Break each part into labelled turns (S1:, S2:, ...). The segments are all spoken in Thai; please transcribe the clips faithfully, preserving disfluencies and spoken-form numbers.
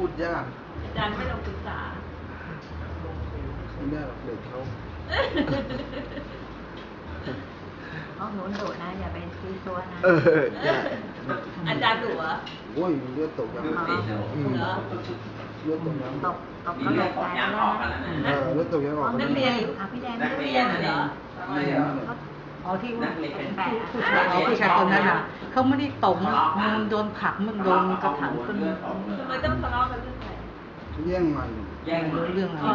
S1: พูดยาก
S2: อาจารย์ไม่ลองศึกษา
S1: ไม่ได้หรอกเด็กเขา
S3: ห้องหนูดุนะอย่าไปซีซัวนะ
S1: เออใช่
S2: อาจารย์ดุเหรอ
S1: โอ้ยเลือดตกยัง
S2: เหรอ
S1: เลือดตกยัง
S3: ตกตกก็เลยตายแล้ว
S1: เออเลือดตกยังออก
S2: นักเรียน
S3: อ่ะพี่แดง
S2: นักเรียนเหรอ
S3: อ๋อที่ว่าเป็นแปะ
S4: อ๋อผู้ชายคนนั้นอ่ะเขาไม่ได้ตกมันโดนผลักมันโดนกระถางต้น
S2: ทำไมต้องทะเลาะกันเรื่องอะไร
S1: แย่งมัน
S4: แย่งเรื่องอะไร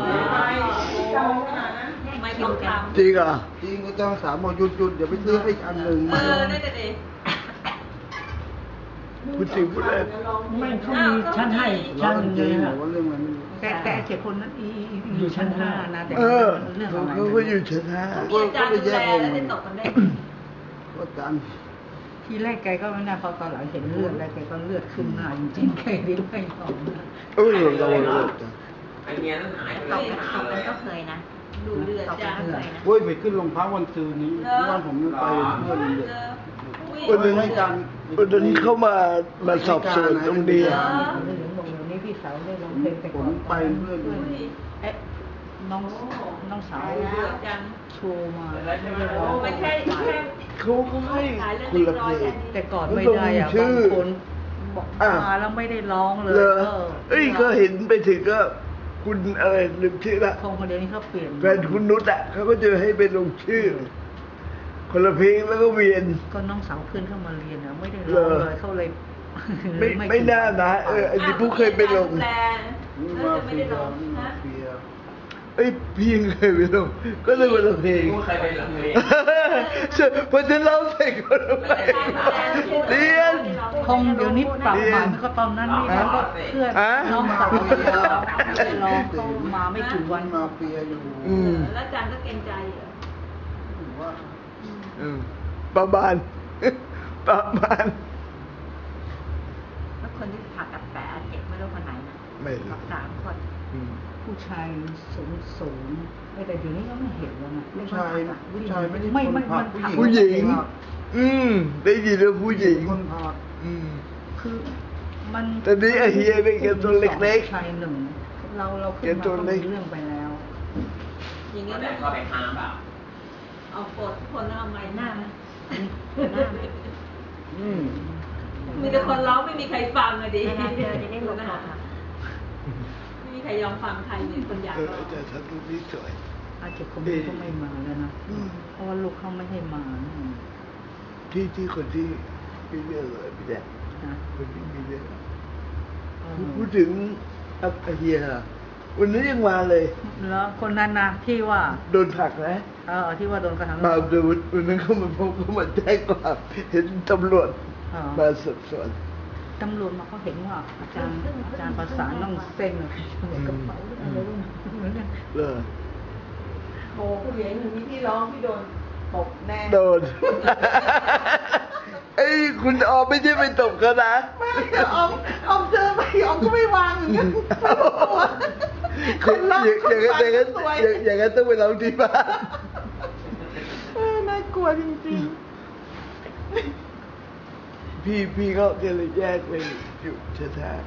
S2: ไม่ต้องทำ
S1: จริงอ่ะจริงก็ต้องสามบอกหยุดหยุดอย่าไปซื้อให้อีกอันหนึ่ง
S2: เออนั่นเด็
S1: พูดจริงพูดเล่น
S4: ไม่เขามีชั้นให้ชั้นเลยนะ
S1: ว่าเรื่องมัน
S4: แต่แต่เจ็ดคนนั้นอยู่ชั้นห้านะแต่
S1: เรื่องอะไรเขาก็อยู่ชั้นห้า
S2: ก็ไปแยกวงแล้วตกกันได้
S1: ก็จัน
S4: ทีแรกแกก็ไม่น่าพอตอนหลังเห็นเลือดแล้วแกก็เลือดขึ้นหน้าจริงๆแกได้ไม่ยอม
S1: เออเราเรา
S3: ไอเมียนั่นหายตกกันตกกันก็เคยนะ
S2: ดูเลือดจ้าเคยนะ
S1: เว้ยไปขึ้นโรงพักวันซืนนี้วันผมไปเพื่อนเลยวันนึงให้การวันนึงเข้ามามาสอบสวนตรงนี้
S4: นี่พี่สาวได้ร้องเพลงแต่
S1: ผมไปเพื่อน
S4: เอ๊ะน้องน้องสาวโชว์มาไม่ได้ร้อง
S2: ไม่ใช่
S1: เขาเขาให้คุณละเพลง
S4: แต่ก่อนไม่ได้อ่ะบางคนบอกมาแล้วไม่ได้ร้องเลย
S1: เอ้ยก็เห็นไปถึงก็คุณอะไรลืมชื่อละ
S4: คงคนเดียวนี้เขาเปลี่ยน
S1: แฟนคุณนุชอ่ะเขาก็จะให้ไปลงชื่อคนละเพลงแล้วก็เวียน
S4: ก็น้องสาวเพื่อนเข้ามาเรียนนะไม่ได้ร้องเลยเขาเลย
S1: ไม่ไม่น่านะเอออันนี้ผู้เคยไปลง
S2: มาไม่ได้ลงนะ
S1: เอ้ยพี่ยังเคยไปลงก็เลยคนละเพลง
S5: เคยไปลงเพลง
S1: พอจะเล่าเสร็จก็ไปเรียน
S4: คงเดี๋ยวนี้ปรับใหม่ไม่ก็ตอนนั้นนี่แล้วก็เพื่อนน้องสาวร้องเขามาไม่กี่วัน
S1: มาเปียอยู่
S2: แล้วอาจารย์ก็เกรงใจเหรอ
S1: ว่าประมาณประมาณ
S3: แล้วคนที่ผ่าตัดแผลเจ็บไม่รู้คนไหนนะ
S1: ไม่รู้
S3: สามคน
S4: ผู้ชายสูงสูงแต่เดี๋ยวนี้ก็ไม่เห็นแล้วนะ
S1: ผู้ชายผู้ชายไม่ได้
S4: ไม่ไม่มัน
S1: ผู้หญิงอืมได้ยินเรื่องผู้หญิง
S4: คนพอด
S1: อืม
S4: คือมัน
S1: แต่นี้ไอเฮียเป็นแค่ตัวเล็ก
S4: ๆชายหนึ่งเราเราขึ้นมาก็มีเรื่องไปแล้ว
S2: อย่างเงี้ยแบบ
S5: ก็ไปห้ามเปล่า
S2: เอาปดคนเอาไม้หน้าไหมหน้าไหมมีแต่คนร้องไม่มีใครฟังเลยดิ
S3: จะได้รู้นะคะ
S2: ไม่มีใครยอมฟังใครเลยคนอยากร้อง
S1: แต่ฉันรูปนี้สวย
S4: อาจจะคนนี้ก็ไม่มาแล้วนะเพราะว่าลูกเขาไม่ให้มา
S1: ที่ที่คนที่มีเรื่องเลยพี่แดงคนที่มีเรื่องพูดถึงอาเฮียวันนี้ยังมาเลย
S4: แล้วคนนั้นนะที่ว่า
S1: โดนผลักนะ
S4: เออที่ว่าโดนกระทำ
S1: มาดูวันนั้นเขามาพบเขามาแจ้งความเห็นตำรวจมาสอบสวน
S4: ตำรวจมาเขาเห็นว่าอาจารย์อาจารย์ประสานต้องเซ็นกระเป๋าอะไรรุ่นนั้น
S1: เออ
S2: โอ้ผู้หญิงหนึ่งมีที่ร้องพี่โดนตบแน่
S1: โดนไอ้คุณออมไม่ใช่ไปตบเขานะ
S2: ไม่ออมออมเจอไปออมก็ไม่วางอย่างนั้นคนรักคนฝันสวย
S1: อย่างนั้นต้องไปร้องที่บ้าน
S2: น่ากลัวจริง
S1: ๆพี่พี่ก็เลยแยกไปอยู่เชื้อแท้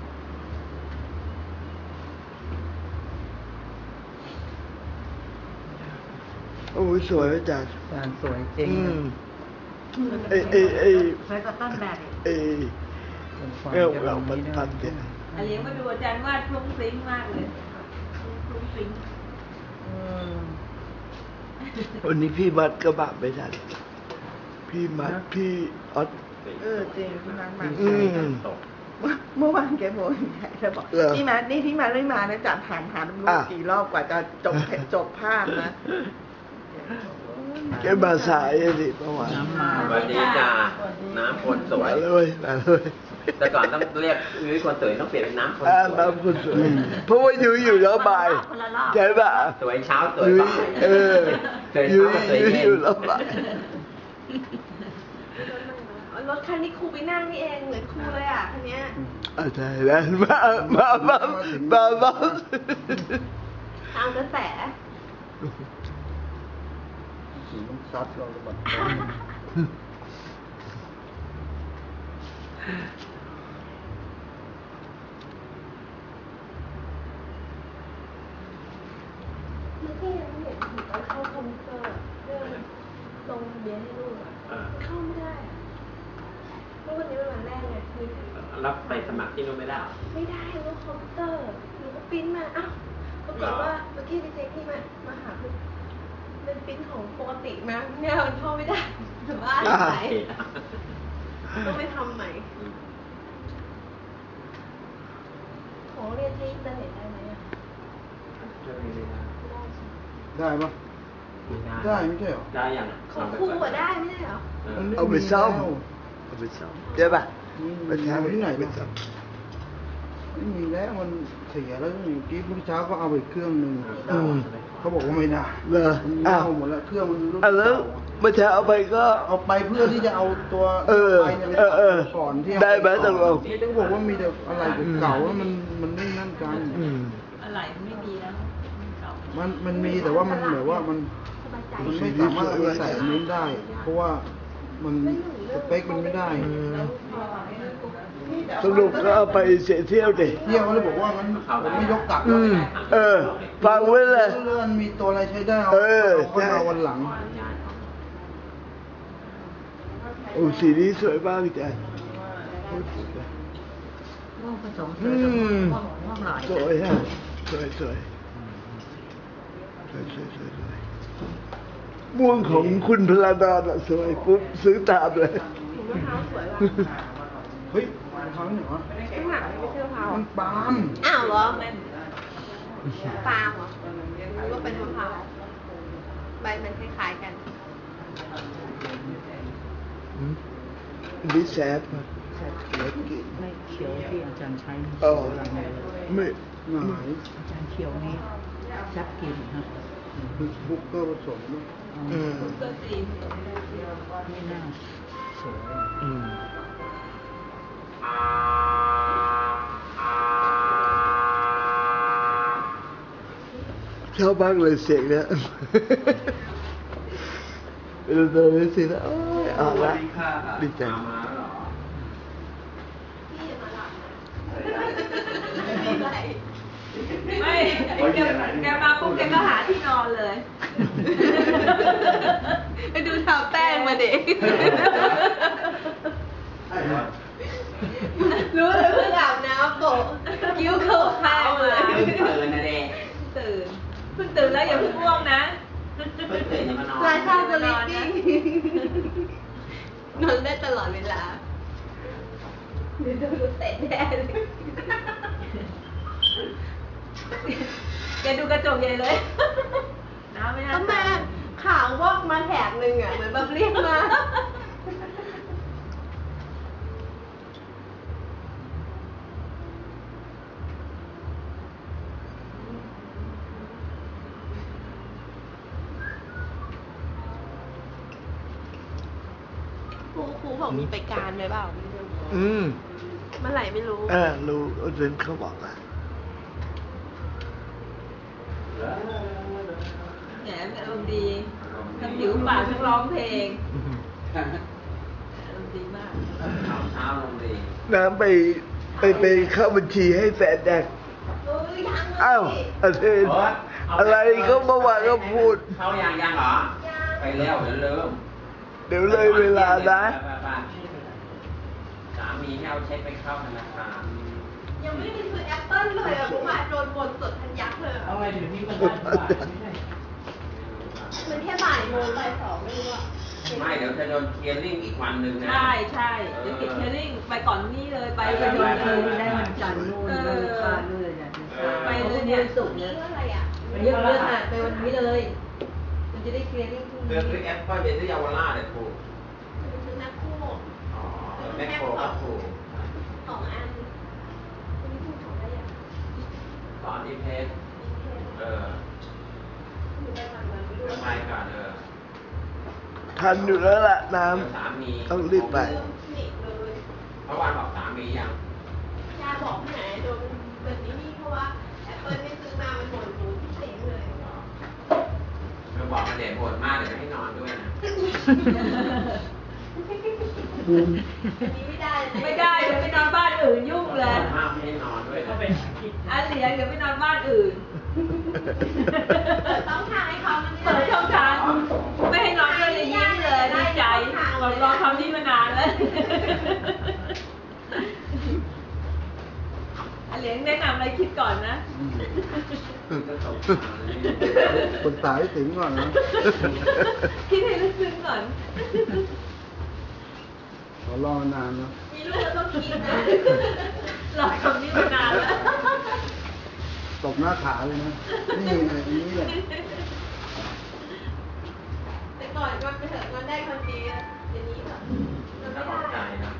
S1: โอ้ยสวยอาจารย์
S4: อาจารย์สวยจริง
S1: เอ้เอ้เอ้
S3: สวยกว่าต้นแบบ
S1: เอ้เออเรามันพันเ
S2: นี่ยอันนี้มาดูอาจารย์วาดฟลุ้งฟลิ้งมากเลยฟลุ้งฟลิ้ง
S1: วันนี้พี่มัดกระบะไม่ทันพี่มัดพี่ออด
S2: เออจริงพี่มัดมาเมื่อวานแกบอกแกบอกพี่มัดนี่พี่มัดไม่มานะจัดผ่านผ่านรู้กี่รอบกว่าจะจบจบภาพนะ
S1: แกมาสายสิเมื่อวาน
S5: วันนี้จ้าน้ำคนสวย
S1: เลยเลย
S5: แต่ก่อนต้องเรียกยุ้ยคนสวยต้องเปลี่ยนเป็นน้ำคนสวย
S1: น้ำคนสวยเพราะว่ายุ้ยอยู่แล้วบ่ายใช่ป่ะ
S5: สวยเช้าสวยบ่าย
S1: เออยุ้ยอยู่แล้วบ่าย
S2: รถคันนี้ครูไปนั่งนี่เองเหมือนครูเลยอ่ะคันนี้
S1: อ่าใช่แล้วมามามามามา
S2: เอากระแส
S1: ซัดเราหมด
S6: ให้ลูกอ่ะ
S5: เออ
S6: เข้าไม่ได้อะเพราะวันนี้เป็นวันแรกไงคือ
S5: รับไปสมัครที่นู่นไม่ได้เหรอ
S6: ไม่ได้ลูกคอมพิวเตอร์หนูก็ปริ้นมาอ้าวปรากฏว่าเมื่อกี้ดีเจพี่มามาหาคือเป็นปริ้นของปกติมาเนี่ยมันเข้าไม่ได้แต่ว่าอะไรต้องไปทำใหม่ของเรียนที่อินเทอร์เน็ตได้ไหมอ่ะ
S5: จะไม่ได้
S1: ได้ปะได้ไม่ใช่เหรอ
S5: ได้ยัง
S6: ของครูอะได้ไม่ได้เหรอ
S5: เออ
S1: เอาไปซ่อมเอาไปซ่อมได้ปะ
S7: ไปแทนที่ไหนไปซ่อมไม่มีแล้วมันเสียแล้วเมื่อกี้เมื่อเช้าก็เอาไปเครื่องหนึ่ง
S1: อืม
S7: เขาบอกว่าไม่ได้
S1: เหรอ
S7: มัน
S1: อ้า
S7: เน่าว หมดแล้วเครื่องมันรุ่น
S1: อ่ะแล้ว
S7: เก่า
S1: เมื่อเช้าเอาไปก็
S7: เอาไปเพื่อที่จะเอาตัว
S1: เออ
S7: ไปเนี่ยไป
S1: เออเออ
S7: ก่อนที่
S1: ได้ไหมตกลง
S7: นี่ต้องบอกว่ามีแต่อะไรเก่าๆแล้วมันมันไม่นั่นกัน
S1: อืม
S4: อะไรไม่ดีแล้วเก่า
S7: มันมันมีแต่ว่ามันเหมือนว่ามัน
S6: สบายใจ
S7: มันไม่สามารถเอาไปใส่อันนี้ได้ เพราะว่ามันสเปคมันไม่ได้
S1: สรุปก็เอาไปเสียเที่ยวดิ
S7: เที่ยวเขาเลยบอกว่างั้นผมไม่ยกกลับ
S1: อืมเออ ฟังไว้เลย
S7: เลื่อนมีตัวอะไรใช้ได้เอา
S1: เออ
S7: ค่อยเอาวันหลัง
S1: โอ้สีนี้สวยมากจ้ะ
S4: ม่วงผสมเธ
S1: อื
S4: อกับ
S1: ม
S4: ม่วงม่วงหลาย
S1: สวยฮะสวยสวยสวยสวยสวยสวยม่วงของคุณพลาดอนอะสวยปุ๊บซื้อตามเลย
S6: ถุงมะพร้าวสวยว่ะ
S7: เฮ้ยมันทำเหรอ
S6: ข้างหลังไม่ใช่มะพร้าว
S7: มันปาล์ม
S6: อ้าวเหรอปาล์มเหรอรู้ว่าเป็นมะพร้าวใบมันคล้ายๆกัน
S1: นี่แซ่บมากเล็กกิน
S4: ไม่เขียวที่อาจารย์ใช้
S1: อ๋อ
S4: หลังเลย
S1: ไม่
S7: หงาย
S4: อาจารย์เขียวนี่แซ่บกินครับ
S7: บุกเกอร์ผสมด้วย
S1: อืม
S4: ไม่น่าสวย
S1: อืมชอบมากเลยเสียงเนี้ยเป็นตัวนี้สินะโอ้ยเอาละดีใจ
S5: มาเหรอ
S3: ไม่แกแกมาปุ๊บแกก็หาที่นอนเลย
S6: ไปดูทาแป้งมาเด็กรู้เลยเพิ่งอาบน้ำโปะกิ้วเข้าแป้งเลย
S5: เพิ่งตื่นนะเด็ก
S3: ตื่นเพิ่งตื่นแล้วอย่าเพิ่งง่วงนะ
S5: เพิ่งตื่นจะมานอน
S6: ราชาสลิปปิ้งนอนได้ตลอดเวลาเดี๋ยวโดนเตะแน่เลย
S3: แกดูกระจกใหญ่เลย น้ำไม่น่า
S6: ทำไมขาววอกมาแถบหนึ่งอ่ะเหมือนแบบเรียกมาครูครูบอกมีไปการไหมเปล่า
S1: อืม
S6: เมื่อไหร่ไม่รู้
S1: เออรู้เรนเขาบอกอ่ะ
S3: แหมอารมณ์ดีทั้งผิวปากทั้งร้องเพลงอารมณ์ดีมาก
S5: เช้าเช้าลงดี
S1: น้ำไปไปไปเข้าบัญชีให้แฟนแดก
S6: เออยังเลย
S1: อ้าวอะไรอะไรก็เมื่อวานก็พูด
S5: เข้ายังยังเหรอ ไปแล้วเดี๋ยวลืม
S1: เดี๋ยวเลยเวลานะ
S5: สามีให้เอาเช็คไปเข้าธนาคาร
S6: ยังไม่ได้ซื้อแอปเปิ้ลเลยอ่ะผมมาโดนบนสดทันยักษ์เลย
S4: เอา
S6: อะ
S4: ไว้เดี๋ยวนี้มันได้บาทไม่ใช่
S6: มันแค่บ่ายโมงบ่ายสองไม่รู้อ่ะ
S5: ไม่เดี๋ยวจะโดนเคลียร์ลิ่งอีกวันหนึ่งนะ
S3: ใช่ใช่เดี๋ยวติดเทลลิ่งไปก่อนนี่เลยไป
S4: ไป
S3: ไป
S4: วั
S3: วัน น
S4: เล
S3: เลย ย
S4: ได้
S3: ได้
S4: วั
S3: วัน น
S4: จั
S3: จั
S4: น
S3: น
S4: ท
S3: ท
S4: ร์
S3: ร์
S4: นู่
S3: นู่
S4: น
S3: น
S4: วัน
S3: เอ
S4: อังคาร
S3: อ
S4: นู่นเลยนะ
S3: ไปเลยเนี่ยศุกร์
S6: นี่
S3: เนี่ย
S6: เท่าไหร่อ่ะ
S3: วันนี้เลื่อนอ่ะไปวันนี้เลย มันจะได้เคลียร์ลิ่งพรุ่ง
S5: เดื
S3: นี้
S5: อนซื้อแอปเปิ้ลไปซื้อเยาวราชเลยถูก
S6: ซื้อแมคโคร
S5: อ๋อแมคโครก็ถูก
S6: สองอันวันนี้พูดของอะไรอ่ะ
S5: ตอนนี้เพชรเออ
S6: อยู่ไปวันวันไม่รู้
S5: จะไปก่อนเออ
S1: ทันอยู่แล้วล่ะน้
S5: เดี๋ยวสามี
S1: ำต้องรีบไป
S6: นี่เลย
S5: เพราะวันบอกสามียัง
S6: ยาบอกที่ไหนโดนแบบนี้นี่เพราะว่าแอปเปิ้ลไม่ซื้อมามันหมดหมูที่เต็งเลย
S5: เธอบอกมาเด็ดโหดมากเดี๋ยวจะให้นอนด้วยนะ
S1: บูม
S6: อันนี้ไม่ได้เลย
S3: ไม่ได้เดี๋ยวไปนอนบ้านอื่นยุ่งเลย
S5: มากไม่ให้นอนด้วยนะ
S3: อันเหลียงเดี๋ยวไปนอนบ้านอื่น
S6: เปิดต้องทางให้เขามัน
S3: เปิดช่องทางไม่ให้นอนด้วยเลยยิ้มเลยดีใจบอกรอคำนี้มานานแล้วอันเหลียงแนะนำอะไรคิดก่อนนะ
S7: คนตายถึงก่อนนะ
S3: คิดให้ลึกซึ้งก่อน
S7: ขอรอนานนะ
S3: มีลูกก็ต้องคิดนะรอคำนี้มานานแล้ว
S7: ตบหน้าขาเลยนะนี่ไงนี่แหละ
S6: แต่ก่อนก็ไปเถอะมันได้คนดีเดี๋ยวนี้แบบมันไม่ได้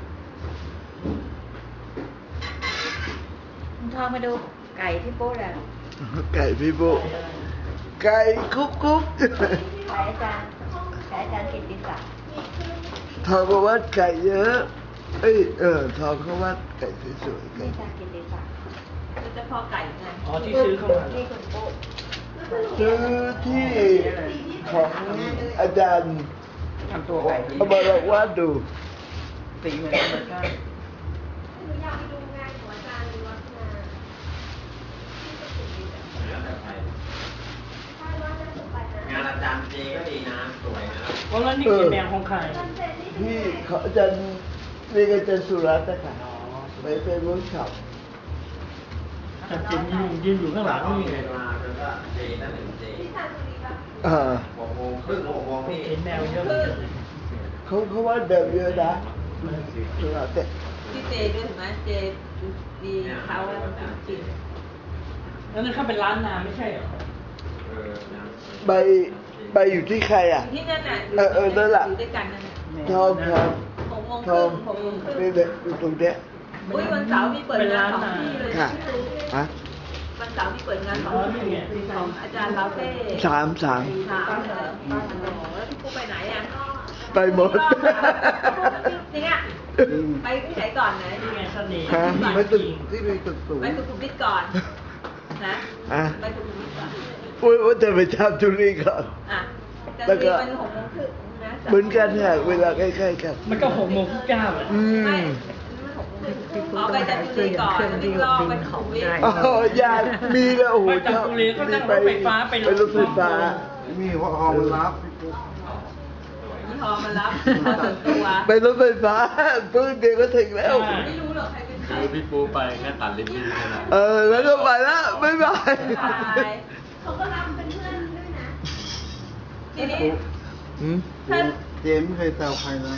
S4: คุณทองมาดูไก่ที่โป๊ะแล้ว
S1: ไก่พี่ปุ๊ไก่คุกคุก
S4: ไก่อาจารย์ไก่อาจารย์กิตติศักดิ์
S1: ทองก็วัดไก่เยอะเอ้ยเออทองเขาวัดไก่สวยๆไก่
S4: อาจารย์กิตติศักดิ์
S3: มันจะพอไก่ไง
S4: อ๋อที่ซื้อเข้ามาที่คุณโป๊ะ
S1: ซื้อที่ของอาจารย์
S2: ทำตัวไก่
S1: เอามาลองวาดดู
S2: สีเหมือนกันเหมือนกัน
S6: หนูอยากไปดูงานของอาจารย์วัฒนาที่สุขุมวิทอะใช่ว่าน่าสนใจนะ
S5: งานอาจารย์เจก็ดีนะสวยนะ
S4: วันนั้นนี่คือแนวของใคร
S1: ที่เขาอาจารย์เรียกอาจารย์สุรัตน์นะคะไปเป็นเวิร์กช็อป
S4: อาจารย์จิมยืนอยู่ข้างหลังนี่
S5: เวลาแล้วก็เจตั้งหนึ่งเจ
S6: ที่ทางสุริปะ
S1: อ่า
S5: หกโมงครึ่งหกโมงพี่
S4: เห็นแนวเยอะ
S1: เขาเขาวาดแบบเยอะนะสุรัตน์เนี่ย
S3: พี่เจด้วยเห็นไหมเจดีเขาจริง
S4: แล้วนั่นเขาเป็นร้านนาไม่ใช่เหรอ
S5: เออนะ
S1: ใบใบอยู่ที่ใครอ่ะ
S3: ที่นั่นน่ะ
S1: เออเออนั่นแหละ
S3: อยู่ด้วยกันนั่นน่ะ
S1: ทองทอง
S3: หกโมง
S1: ท
S3: ค
S1: อ
S3: รึ่
S1: ง
S3: งหกโมงครึ่ง
S1: นี่แหละอยู่ตรงเนี้ย
S3: อุ้ยวันเสาร์มีเปิดงานสองที่เลย
S1: ค่ะฮะ
S3: วันเสาร์มีเปิดงานสองที่ของอาจารย์ลาเฟ่
S1: สามสาม
S3: สามเหรอแล้วพี่ปุ๊กไปไหนอ่ะ
S1: ไปหมด
S3: จริงอ่ะไปที่ไหนก่อนนะ
S4: นี่ไงเสน่ห์
S1: ฮะ
S7: ไม่ตึกที่มีตึกสูง
S3: ไปสุขุมวิทก่อนนะ
S1: อ่ะ
S3: ไปสุขุมวิทก่อน
S1: อุ้ยว่าจะไปทำธุรีก่อน
S3: อ่ะ
S1: แล้วก็
S3: มันหกโมงครึ่งนะ
S1: เหมือนกันเนี่ยเวลาใกล้ๆกัน
S4: มันก็หกโมงเก้าอ่ะ
S1: อื
S3: ไม่
S1: ม
S3: มันหกโมงครึ่งเอาไปจากจุฬาก่อนแล้วก็ไปสุขุมวิท
S1: อ๋อยานมีแล้วโอ้โห
S4: มาจาก
S1: ชอบ
S4: บุรีก็นั่งรถไฟฟ้าไป
S1: ไปรถไฟฟ้า
S7: มีหัวหอมรับ
S3: ยี่ห้อมารับมาส่วนตัว
S1: ไปรถไฟฟ้าปื้นเดียวก็ถึงแล้ว
S3: ไม่รู้หรอกใครเป็นใคร
S5: คือพี่ปูไปแค่ตัดลิ้นพี่แค่นั้น
S1: เออแล้วก็ไปแล้วบ๊ายบาย
S6: เขาก็รับเป็นเพื่อนด้วยนะ
S3: ทีนี้
S1: หืม
S3: ถ้า
S7: เจมไม่เคยแซวใครนะ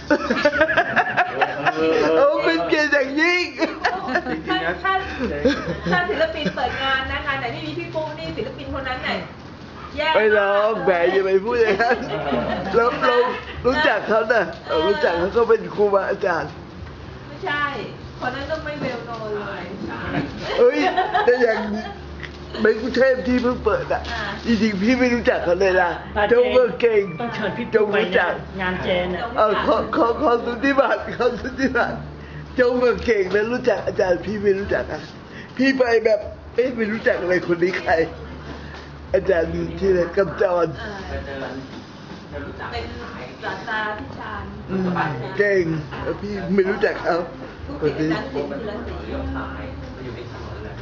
S1: เออเป็นเกียรติอย่างยิ่ง
S3: ถ้าถ้าถ้าศิลปินเปิดงานนะงานไหนไม่มีพี่ปุ๊นี่ศิลปินคนนั้นไหนแย่
S1: ไปลองแหมอย่าไปพูดอย่างนั้นเราเรารู้จักเขาน่ะเรารู้จักเขาก็เป็นครูบาอาจารย์
S3: ไม่ใช่ คนนั้นต้องไม่เวลโนเลย
S1: เอ้ยแต่อย่างในกรุงเทพที่เพิ่งเปิดอ่ะ
S3: อ่า
S1: จริงๆพี่ไม่รู้จักเขาเลยนะเจ้าก็เก่ง
S4: ต้องเชิญพี่
S1: เจ้า
S4: ปุ๊กไป
S1: รู้จั
S4: นะ
S1: ก
S4: งานเจนอ่ะ
S1: เออขอขอขอสุทธิบัตรขอสุทธิบัตรเจ้าก็เก่งแล้วรู้จักอาจารย์พี่ไม่รู้จักอ่ะพี่ไปแบบเอ๊ะไม่รู้จักอะไรคนนี้ใคร อาจารย์ที่ไหนกำจร
S3: เออเป็นศาสตราธิการ
S1: อืมเก่งแล้วพี่ไม่รู้จักเขา
S3: ผู้
S1: คน
S3: เขียน
S1: นี้
S3: อาจารย์ศิลป์จุฬาศรี
S5: เลี้ยวซ้ายมันอยู่ในถนนเลย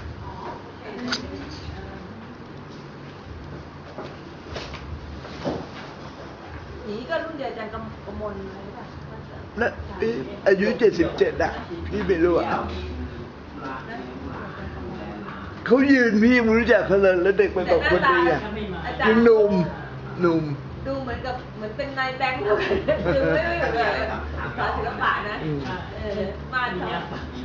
S3: นี่ก็รุ่นเดียวอาจารย์กำกมลเลยป่ะ
S1: นะพี่อายุเจ็ดสิบเจ็ดอ่ะพี่ไม่รู้อ่ะเขายืนพี่ไม่รู้จักเขาเลยแล้วเด็กไปบอกคนดีอ่ะยังหนุ่มหนุ่ม
S3: ดูเหมือนกับเหมือนเป็นนายแบงค์เลยคือไม่ไม่เหมือนแบบสอนศิลปะนะเออมาดเขา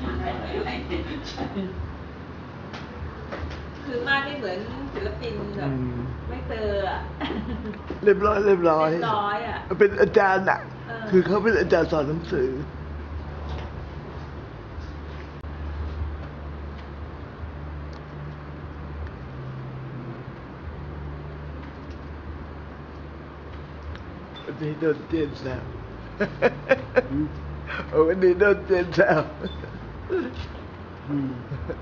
S3: คือมาดไม่เหมือนศิลปินแบบไม่เจออ่ะ
S1: เรียบร้อยเรียบร้อย
S3: เรียบร้อยอ่ะ
S1: เป็นอาจารย์อ่ะ
S3: เออ
S1: คือเขาเป็นอาจารย์สอนหนังสือวันนี้โดนเจนแซวโอ้วันนี้โดนเจนแซว
S7: อืม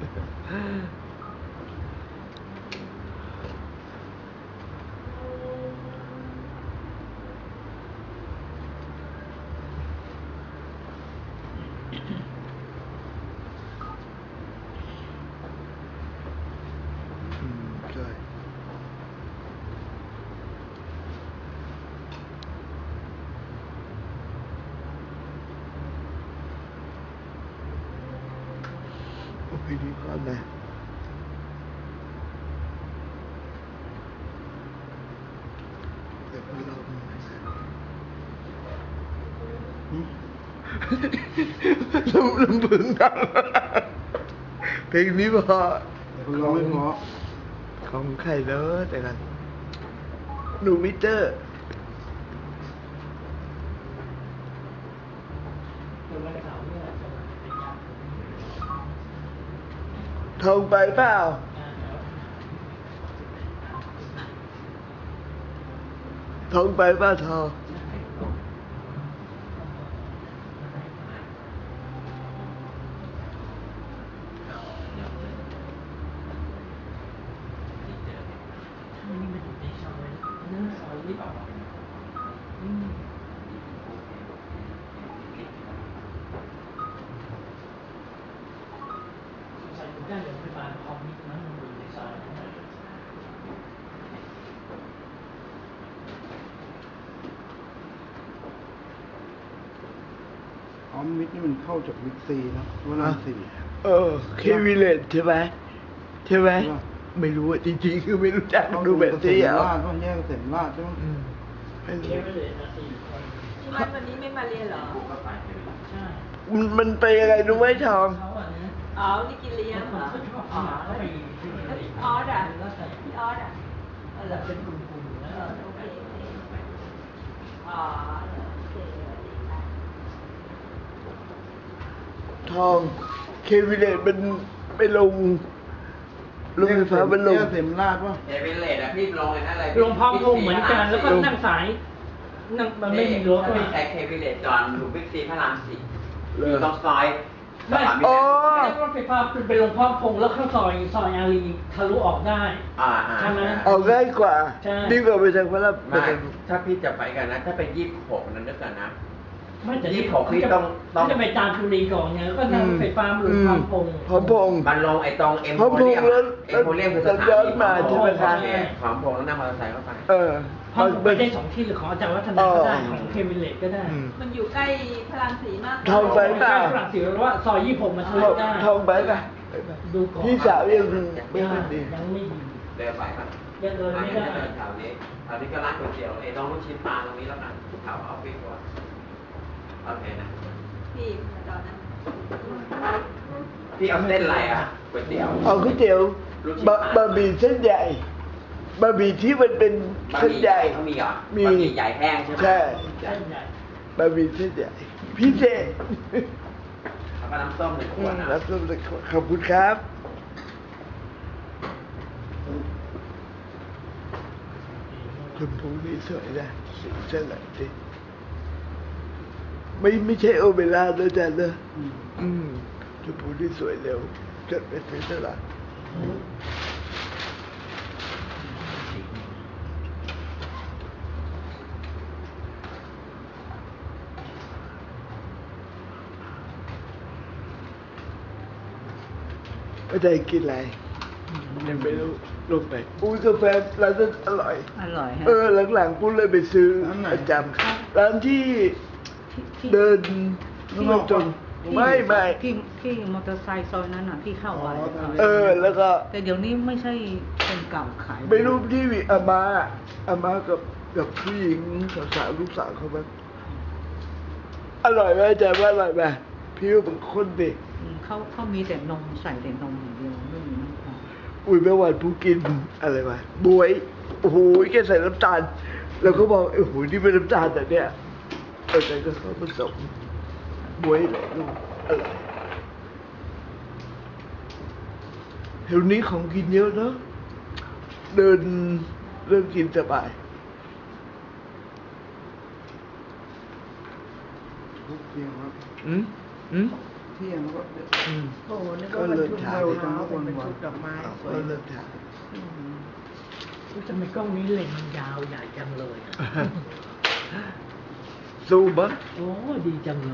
S1: อืมใช่คืนนี้พร้อมนะเดี๋ยวเราลำลำพึงดังเพลงนี้พอ
S7: เราไม่เพราะ
S1: ของใครเนอะแต่กันหนูมิเตอร์ทองไปเปล่าทองไปเปล่าทอง
S7: ออมมิดนี่มันเข้าจากวิกซีนะว่าลำสี่
S1: เออเควิเลตใช่ไหมใช่ไหมไม่รู้อะจริงๆคือไม่รู้จักดูแบบที่อ่ะ
S7: ลาดว่าแยกเสร็จลาดใช่ไหม
S1: ไม่รู้
S3: ที่บ้านวันนี้ไม่มาเรียนเหรอ
S1: มันมันไปยังไงรู้ไหมทอง
S3: อ๋อ นี่กินเลี้ยงเหรอ อ๋อแล้วพี่ออสอ่ะพี่ออสอ่ะเออเป็นกลุ่มๆนะโอเคอ๋อโอเคสวัสดีค่ะ
S1: ทองเควิเลตมันไปลงลงไฟฟ้ามันลง
S7: แยกเสร็จลาดว่า
S5: เอเวอเรสต์อะพี่ลงไอ้นั่นอะไร
S8: ลงพร้อมพงเหมือนกันแล้วก็นั่งสายนั่งมันไม่มีรถ
S5: ถ้า
S8: เล
S5: พี่
S8: ย
S5: ใช้เคเวอเรสต์จอนอยู่บิ๊กซีพระรามสี่
S1: เลย
S5: อยู่ตรงซอย
S8: ไม่
S5: อ๋อ
S8: รถไฟฟ้าเป็นลงพร้อมพงแล้วข้างซอยซอยอารีทะลุออกได้
S5: อ่าอ่า
S8: ใช่ไหม
S1: เอาง่ายกว่า
S8: ใช่
S1: ดีกว่าไปทางพระราม
S5: ไม่ถ้าพี่จะไปกันนะ ถ้าเป็นยี่สิบหกนั้นนึกกันนะ
S8: ไม่แต่
S5: ยี่สิบหกพี่ต้องต้อง
S8: จะไปจามจุรีก่อนไงแล้วก็นั่งรถไฟฟ้ามาลงพร้อมพง
S1: พร้อมพงษ์
S5: มันลงไอ้ตรงเอ็ม
S1: พร้อม
S5: โพ
S1: พง
S5: เรีย
S1: ษ์
S5: ม
S1: แล้ว
S5: เอ็มโพเรียมคือสถา
S1: ย้อน
S5: นี
S1: มาใช่ไหมคะ
S5: ขอมพงษ์แล้วนั่งมอเตอร์ไซค์เข้าไป
S1: เออ
S8: พร้อมไปได้สองที่หรือของอาจารย์วัฒนาก็ได้ของเคมิเลตก็ได้
S1: อืม
S3: มันอยู่ใกล้พระรามสีมาก
S1: ทองไปเปล่า
S8: ฝรั่งเศสว่าซอยยี่สิบหกมันทะลุได้
S1: ทองไปป่ะ
S8: ดูก่อน
S1: พี่สาวยังไม่ค่อยดี
S8: ยังไม่ดี
S5: เดินไปครับ
S8: ยังเดินไม่ได้
S5: แถวนี้แถวนี้ก็ร้านก๋วยเตี๋ยวไอ้น้องลูกชิ้นปลาตรงนี้แล้วกันแถวออฟฟิศก่อนโอเคนะ
S3: พี่ตอนนั้น
S5: พี่เอาเส้นอะไรอ่ะก๋วยเตี๋ยว
S1: เอาก๋วยเตี๋ยวบะบะหมี่เส้นใหญ่บะหมี่ที่มันเป็น
S5: บะห
S1: เส้น
S5: มี่
S1: ใหญ่
S5: เขามีเหรอ
S1: มี
S5: บะหมี่ใหญ่แห้งใช่ไหม
S1: ใช่
S8: เส้นใหญ่
S1: บะหมี่เส้นใหญ่พิเศษ
S5: แล้วก็น้ำส้มหนึ่งขวดนะ
S1: แล้วก็ขอบคุณครับคุณผู้นี้สวยนะสีเส้นไหนดิไม่ไม่ใช่โอเบร่าด้วยจ้ะเนอะอืมคุณผู้นี้สวยเร็วจดไปซื้อตลาดไม่ได้กินอะไรยังไม่รู้ลงไปอุ้ยกาแฟร้านนั้นอร่อย
S4: อร่อยฮะ
S1: เออหลังๆกูเลยไปซื้อประจำร้านที่เดินที่มันจนไม่ไม่
S4: พี่พี่มอเตอร์ไซค์ซอยนั้นอ่ะพี่เข้าไว้
S1: เออแล้วก็
S4: แต่เดี๋ยวนี้ไม่ใช่คนเก่าขาย
S1: ไม่รู้ที่อาม่าอาม่ากับกับผู้หญิงสาวๆลูกสาวเขาบ้างอร่อยไหมอาจารย์ว่าอร่อยไหมพี่ว่าเป็นคนเด็ก
S4: อืมเขาเขามีแต่นมใส่แต่นมอย่างเดียวไม่มีน้ำตาล
S1: อุ้ยเมื่อวานผู้กินอะไรวะบวยโอ้โหแกใส่น้ำตาลแล้วก็บอกโอ้โหนี่เป็นน้ำตาลแต่เนี่ยเออแต่ก็เขาผสมบวยเลยลูกอร่อยแถวนี้ของกินเยอะเนาะเดินเริ่มกินสบาย
S7: เที่ยงครับ
S1: อืมอืม
S7: เที่ยงแล้วก็เดี๋ยว
S1: อืม
S2: โอ้โหนี่ก็บรรทุกมะพร้าวเป็นบรรทุกดอกไม้สวย
S1: ก็เริ่มทาน
S8: ทำไมกล้องนี้เลนส์ยาวใหญ่จังเลยอะ
S1: ซูมปะ
S8: โอ้ดีจังเลย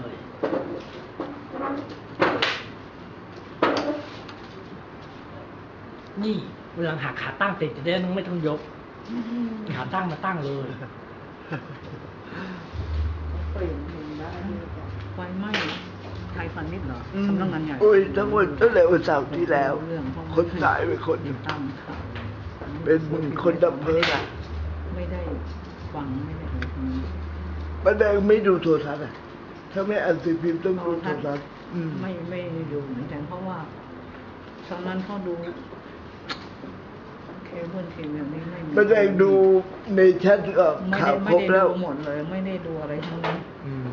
S8: นี่เวลาหาขาตั้งติดจะได้ไม่ต้องยกขาตั้งมาตั้งเลย
S2: เปลี่ยนเพลงได้ด้วยจ้ะ
S4: ไฟไหม้ไทพาณิชย์เหรอ
S1: อืม
S4: สำนักงานใหญ่
S1: โอ้ยทั้งวันตั้งแต่วันเสาร์ที่แล้ว
S4: เรื่องเพราะ
S1: คนสายเป็นคนหนึ่ง
S4: ตามข่าว
S1: เป็นคนดับเพลิงอ่ะ
S4: ไม่ได้ฟังไม่ได้อะไรทั้งนั้น
S1: ป้าแดงไม่ดูโทรทัศน์อ่ะถ้าไม่อ่านสื่อพิมพ์ต้องดูโทรทัศน์อืม
S4: ไม่ไม่ดูเหมือนกันเพราะว่าตอนนั้นเขาดูเคเบิลทีวีนี่ไม่มี
S1: ป้าแดงดูในแชทเอ่อ
S4: ไม่
S1: ข่า
S4: ได้
S1: ว
S4: ไม่
S1: ครบ
S4: ได้
S1: แล้ว
S4: ดูหมดเลย ไม่ได้ดูอะไรทั้งนั้น
S1: อืม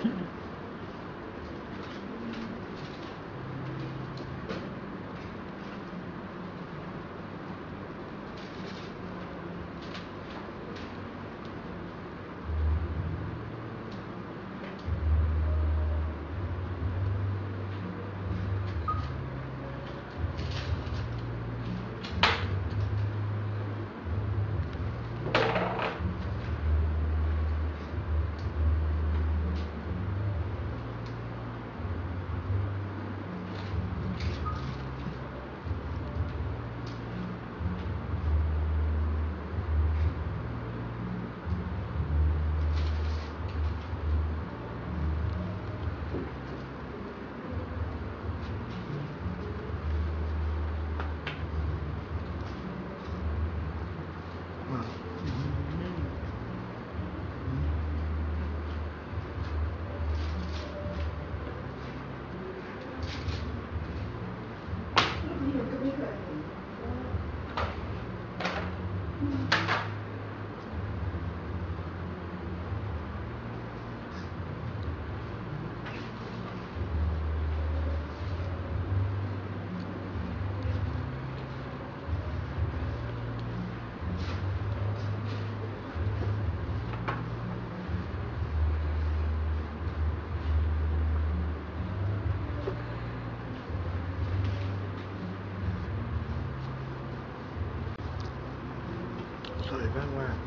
S1: สวยมากมาก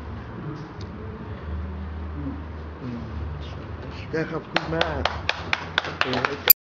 S1: อืมได้ขอบคุณมาก